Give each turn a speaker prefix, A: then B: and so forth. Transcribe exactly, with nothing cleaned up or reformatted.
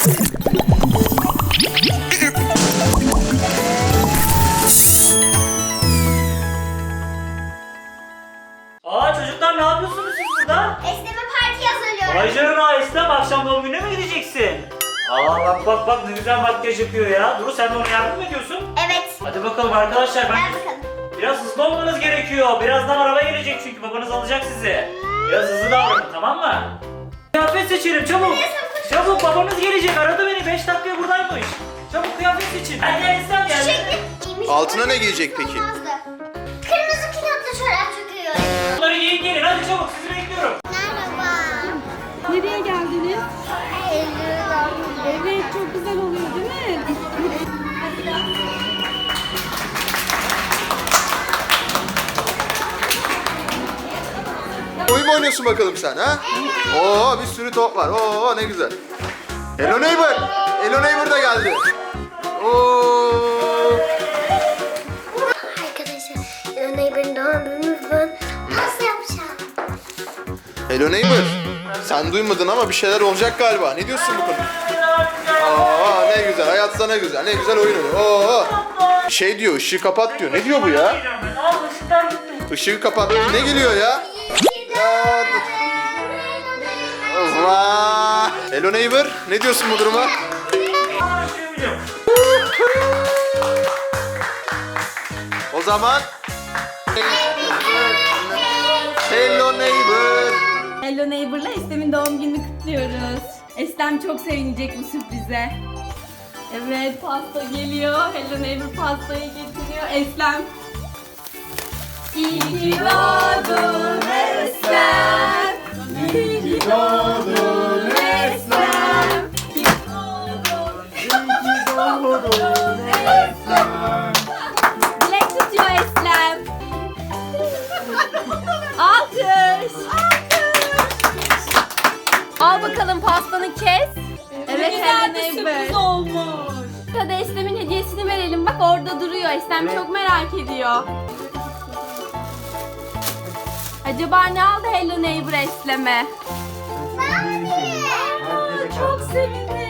A: Aa çocuklar, ne yapıyorsunuz siz burada?
B: Esleme parti hazırlıyorum.
A: Vay canına Eslem, akşam doğum gününe mi gideceksin? Aa bak bak bak, ne güzel makyaj yapıyor ya. Duru, sen de ona yardım mı ediyorsun?
B: Evet.
A: Hadi bakalım arkadaşlar, ben
B: Gel bakalım.
A: biraz hızlı olmanız gerekiyor. Birazdan araba gelecek çünkü babanız alacak sizi. Biraz hızlı davranın, tamam mı? Kıyafet seçelim çabuk. Çabuk, babanız gelecek, aradı beni, beş dakikaya buradaymış. Çabuk kıyafet seçin. Hadi Eslem gel.
B: Çiçekli giymiş.
C: Altına ne giyecek peki?
B: Olmazdı. Kırmızı kilotlu çorap çok iyi olur.
A: Bunları giyin gelin, hadi çabuk, sizi bekliyorum.
B: Merhaba.
D: Nereye geldiniz?
B: Eylül
D: Evet, çok güzel oluyor değil mi?
C: Oyun mu oynuyorsun bakalım sen ha? Oo, bir sürü top var. Oo, ne güzel. Hello Neighbor. Hello Neighbor da geldi. Oo.
B: Arkadaşlar, Hello Neighbor'ın doğum günü ben pasta yapacağım.
C: Hello Neighbor. Sen duymadın ama bir şeyler olacak galiba. Ne diyorsun bu konuda? Aa, ne güzel. Hayatta ne güzel. Ne güzel oyun oynuyor. Oo. Şey diyor, ışığı kapat diyor. Ne diyor bu ya? Işığı kapat. Ne geliyor ya? Ya, vaa. Hello Neighbor. Ne diyorsun bu duruma? O zaman Hello Neighbor.
D: Hello Neighbor'la Eslem'in doğum gününü kutluyoruz. Eslem çok sevinecek bu sürprize. Evet, pasta geliyor. Hello Neighbor pastayı getiriyor. Eslem. İyi ki doğdun Eslem. İyi ki doğdun Eslem. İyi ki doğdun Eslem. Dilek tutuyor Eslem. Alkış. Al bakalım pastanı kes. Evet,
E: güzel
D: Hello
E: bir
D: Neighbor.
E: sürpriz olmuş.
D: Hadi Eslem'in hediyesini verelim. Bak orada duruyor. Eslem çok merak ediyor. Acaba ne aldı Hello Neighbor Eslem'e? Çok sevindim.